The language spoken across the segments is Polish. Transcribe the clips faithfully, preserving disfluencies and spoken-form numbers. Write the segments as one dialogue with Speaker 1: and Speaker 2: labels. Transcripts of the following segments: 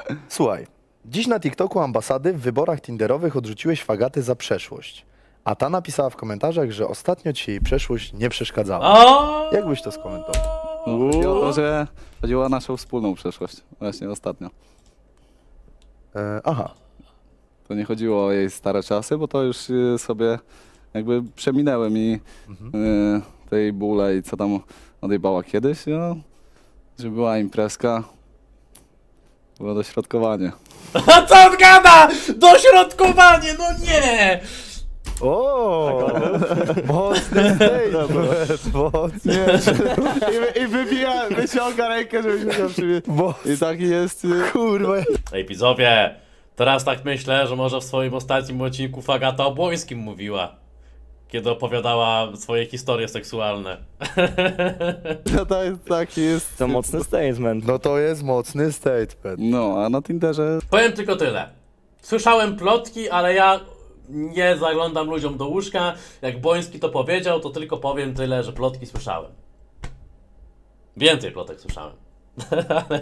Speaker 1: Słuchaj, dziś na TikToku ambasady w wyborach tinderowych odrzuciłeś fagaty za przeszłość. A ta napisała w komentarzach, że ostatnio ci jej przeszłość nie przeszkadzała.
Speaker 2: O!
Speaker 1: Jak byś to skomentował?
Speaker 3: No, chodziło o to, że chodziło o naszą wspólną przeszłość. Właśnie ostatnio.
Speaker 1: E, aha.
Speaker 3: To nie chodziło o jej stare czasy, bo to już y, sobie jakby przeminęły mi y, tej bóle i co tam odjebała kiedyś, no, że była imprezka, było dośrodkowanie.
Speaker 2: A co on gada? Dośrodkowanie, no nie!
Speaker 1: O, mocny statement, mocny.
Speaker 3: I, i wybija, wyciąga rękę, żebyśmy się przywieźli. I taki jest... y,
Speaker 1: Kurwa.
Speaker 2: Ej, widzowie, teraz tak myślę, że może w swoim ostatnim odcinku Fagata o Błońskim mówiła. Kiedy opowiadała swoje historie seksualne.
Speaker 3: No to jest taki jest...
Speaker 4: To mocny statement.
Speaker 1: No to jest mocny statement.
Speaker 3: No, a na Tinderze
Speaker 2: Powiem tylko tyle. Słyszałem plotki, ale ja nie zaglądam ludziom do łóżka. Jak Boński to powiedział, to tylko powiem tyle, że plotki słyszałem. Więcej plotek słyszałem. Ale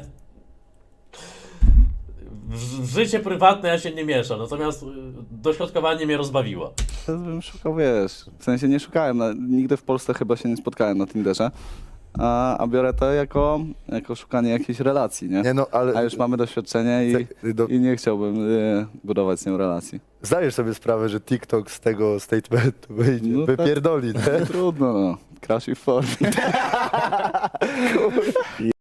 Speaker 2: w w życie prywatne ja się nie mieszam, natomiast y, dośrodkowanie mnie rozbawiło.
Speaker 3: to bym szukał, wiesz, w sensie nie szukałem, na, nigdy w Polsce chyba się nie spotkałem na Tinderze, a, a biorę to jako, jako szukanie jakiejś relacji, nie?
Speaker 1: Nie no, ale
Speaker 3: A już mamy doświadczenie i,
Speaker 1: Ty- do-
Speaker 3: i nie chciałbym y, budować z nią relacji.
Speaker 1: zdajesz sobie sprawę, że TikTok z tego statementu wyjdzie,
Speaker 3: No tak.
Speaker 1: wypierdoli, nie?
Speaker 3: Trudno, no. Crash w formie.